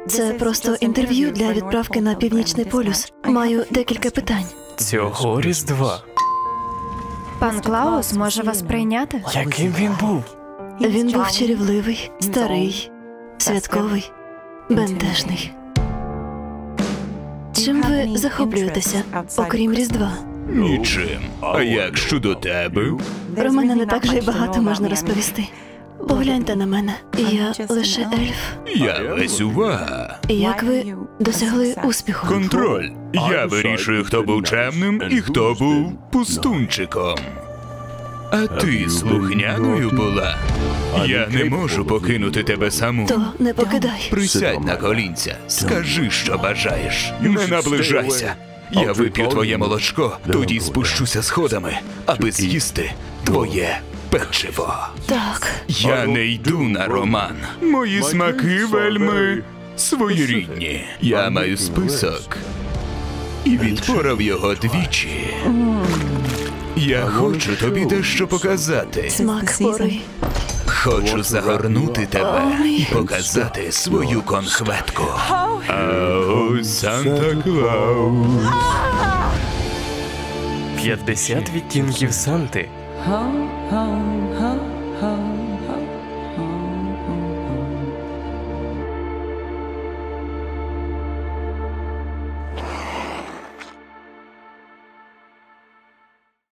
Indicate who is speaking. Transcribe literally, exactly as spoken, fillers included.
Speaker 1: Це просто інтерв'ю для відправки на Північний полюс. Маю декілька питань.
Speaker 2: Цього Різдва.
Speaker 3: Пан Клаус може вас прийняти?
Speaker 2: Яким він був?
Speaker 1: Він був чарівливий, старий, святковий, бентежний. Чим ви захоплюєтеся, окрім Різдва?
Speaker 4: Нічим. А як щодо тебе?
Speaker 1: Про мене не так же й багато можна розповісти. Погляньте на мене. Я лише ельф.
Speaker 4: Я весь увага.
Speaker 1: Як ви досягли успіху?
Speaker 4: Контроль. Я вирішую, хто був чемним і хто був пустунчиком. А ти слухняною була? Я не можу покинути тебе саму.
Speaker 1: То не покидай.
Speaker 4: Присядь на колінця, скажи, що бажаєш. Не наближайся. Я вип'ю твоє молочко, тоді спущуся сходами, аби з'їсти твоє печиво.
Speaker 1: Так.
Speaker 4: Я не йду на роман. Мої смаки вельми своєрідні. Я маю список і відпорав його двічі. Я хочу тобі дещо показати.
Speaker 1: Смак пори.
Speaker 4: Хочу загорнути тебе і показати свою конхветку. А ось Санта-Клаус.
Speaker 2: п'ятдесят відтінків Санти.
Speaker 5: Ho, ho, ho, ho.